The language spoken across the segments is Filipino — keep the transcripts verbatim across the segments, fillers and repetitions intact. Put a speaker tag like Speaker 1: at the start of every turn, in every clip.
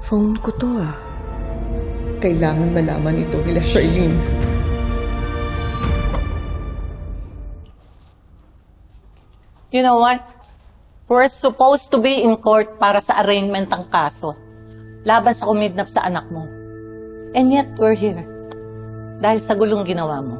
Speaker 1: Phone ko to ah. Kailangan malaman ito nila Charlene.
Speaker 2: You know what? We're supposed to be in court para sa arraignment ng kaso. Laban sa kumidnap sa anak mo. And yet, we're here. Dahil sa gulong ginawa mo.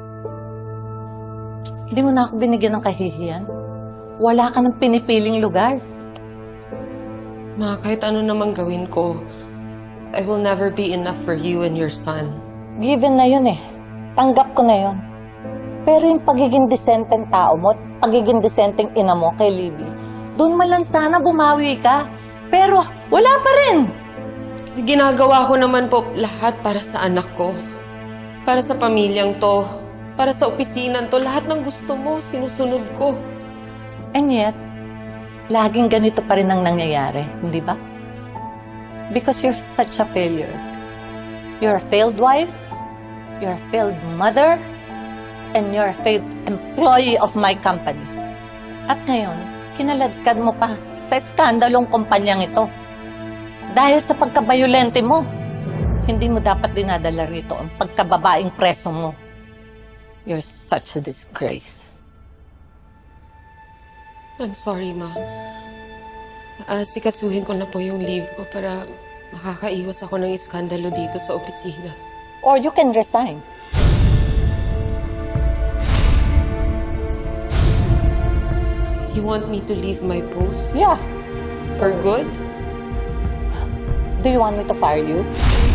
Speaker 2: Hindi mo na ako binigyan ng kahihiyan. Wala ka ng pinipiling lugar.
Speaker 3: Ma, kahit ano namang gawin ko, I will never be enough for you and your son.
Speaker 2: Given na yun eh. Tanggap ko na yun. Pero yung pagiging decenteng tao mo, pagiging decenteng ina mo kay Libby, doon man lang sana bumawi ka. Pero wala pa rin.
Speaker 3: Ginagawa ko naman po lahat para sa anak ko. Para sa pamilyang to. Para sa opisinang to. Lahat ng gusto mo, sinusunod ko.
Speaker 2: And yet, laging ganito pa rin ang nangyayari, hindi ba? Because you're such a failure. You're a failed wife, you're a failed mother, and you're a failed employee of my company. At ngayon, kinaladkad mo pa sa skandalong kumpanyang ito. Dahil sa pagkabayolente mo, hindi mo dapat dinadala rito ang pagkababaing preso mo. You're such a disgrace.
Speaker 3: I'm sorry, Ma. Uh, sikasuhin ko na po yung leave ko para makakaiwas ako ng iskandalo dito sa opisina.
Speaker 2: Or you can resign.
Speaker 3: You want me to leave my post?
Speaker 2: Yeah.
Speaker 3: For good?
Speaker 2: Do you want me to fire you?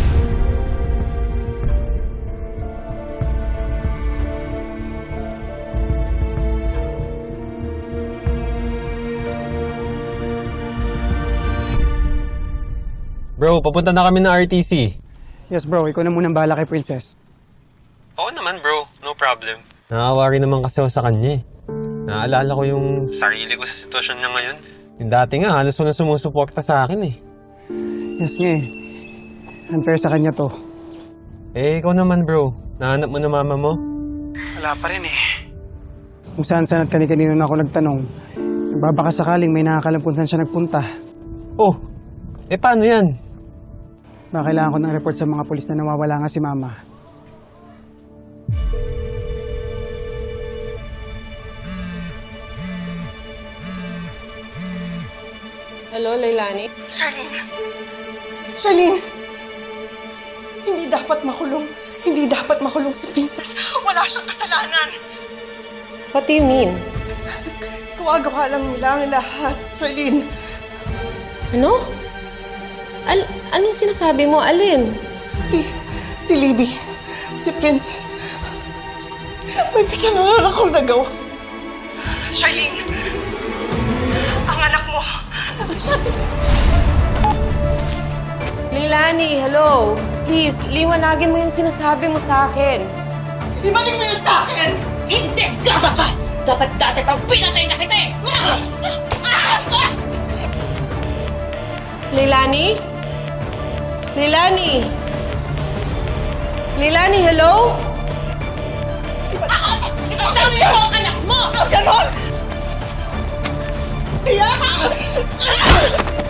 Speaker 4: Bro, papunta na kami ng R T C.
Speaker 5: Yes bro, ikaw na munang bahala kay Princess.
Speaker 4: Oo naman bro, no problem. Nakaawa rin naman kasi ako sa kanya eh. Naaalala ko yung sarili ko sa sitwasyon niya ngayon. Yung dati nga, halos wala sumusuporta sa akin eh.
Speaker 5: Yes nga eh. Unfair sa kanya to.
Speaker 4: Eh, ikaw naman bro. Nahanap mo na mama mo?
Speaker 5: Wala pa rin eh. Kung saan saan at kani-kanino na ako nagtanong, baka sakaling may nakakalam kung saan siya nagpunta.
Speaker 4: Oh, eh paano yan?
Speaker 5: Baka kailangan ko ng report sa mga pulis na nawawala nga si mama.
Speaker 3: Hello, Leilani?
Speaker 6: Charlene! Charlene! Hindi dapat makulong. Hindi dapat makulong si Princess. Wala siyang kasalanan.
Speaker 3: What do you mean?
Speaker 6: Gawa-gawa lang nila ang lahat, Charlene.
Speaker 3: Ano? Al anong sinasabi mo? Alin?
Speaker 6: Si... si Libby. Si Princess. May kasalanan akong nagawa. Charlene! Ang anak mo. Siya si...
Speaker 3: Leilani, hello. Please, liwanagin mo yung sinasabi mo sa akin.
Speaker 6: Ibalik mo yun sa akin!
Speaker 7: Hindi ka dapat! Dapat dati pang pinatay na kita eh!
Speaker 3: Leilani? Leilani? Leilani, hello?
Speaker 7: Sabi mo ang anak mo!
Speaker 6: Ganon! Tiyak!